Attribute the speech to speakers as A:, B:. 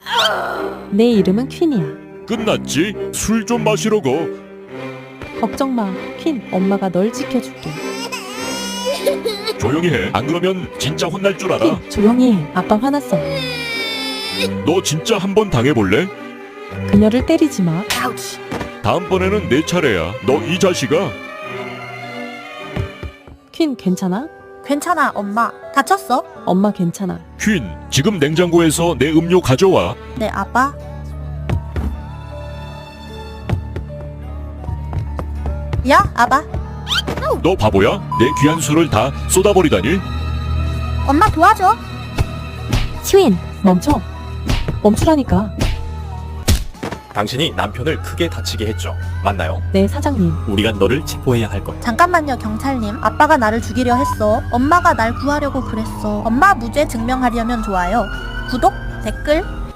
A: 내 이름은 퀸이야.
B: 끝났지? 술 좀 마시러 가.
A: 걱정 마, 퀸. 엄마가 널 지켜줄게.
B: 조용히 해. 안 그러면 진짜 혼날 줄 알아.
A: 퀸, 조용히 해. 아빠 화났어.
B: 너 진짜 한번 당해볼래?
A: 그녀를 때리지 마.
B: 다음번에는 내 차례야. 너 이 자식아.
A: 퀸, 괜찮아?
C: 괜찮아, 엄마. 다쳤어?
A: 엄마 괜찮아.
B: 퀸, 지금 냉장고에서 내 음료 가져와.
C: 네, 아빠. 야, 아빠.
B: 너 바보야? 내 귀한 술을 다 쏟아버리다니?
C: 엄마 도와줘.
A: 퀸, 멈춰. 멈추라니까.
D: 당신이 남편을 크게 다치게 했죠. 맞나요?
A: 네, 사장님.
D: 우리가 너를 체포해야 할 거야.
C: 잠깐만요, 경찰님. 아빠가 나를 죽이려 했어. 엄마가 날 구하려고 그랬어. 엄마 무죄 증명하려면 좋아요. 구독, 댓글,